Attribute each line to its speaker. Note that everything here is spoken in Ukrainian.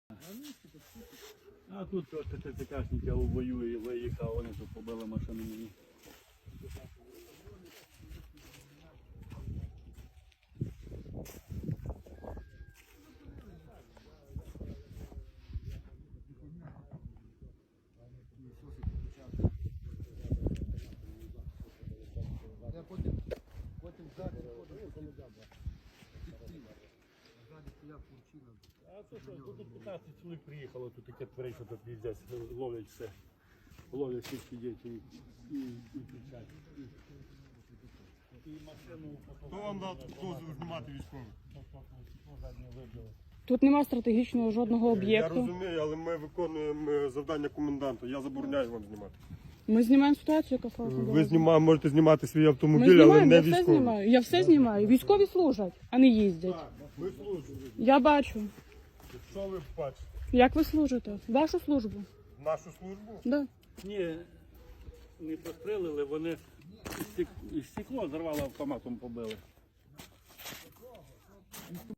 Speaker 1: А тут ТТКшники воює, виїхав, вони тут побили машину мені.
Speaker 2: Потім ззаді ходить.
Speaker 1: А це що, тут 15 чоловік приїхало, тут таке творить, що тут їздять, ловлять все. Ловлять всіх дітей і кричать. І машину
Speaker 3: Хто вам дав дозвіл знімати військових?
Speaker 4: Тут нема стратегічного жодного
Speaker 3: Я
Speaker 4: об'єкту.
Speaker 3: розумію, але ми виконуємо завдання коменданта. Я забороняю вам знімати.
Speaker 4: Ми знімаємо ситуацію, яка сталася.
Speaker 3: Ви можете знімати свій
Speaker 4: Ми
Speaker 3: автомобіль, але
Speaker 4: знімаємо,
Speaker 3: не
Speaker 4: я все
Speaker 3: військовий.
Speaker 4: знімаю. Я все знімаю. Військові служать, а не їздять.
Speaker 3: Ми служимо.
Speaker 4: Я бачу.
Speaker 3: Що ви бачите?
Speaker 4: Як ви служите? Вашу службу?
Speaker 3: Нашу службу?
Speaker 4: Да.
Speaker 1: Ні, не пострілили, вони і стекло зарвало автоматом побили.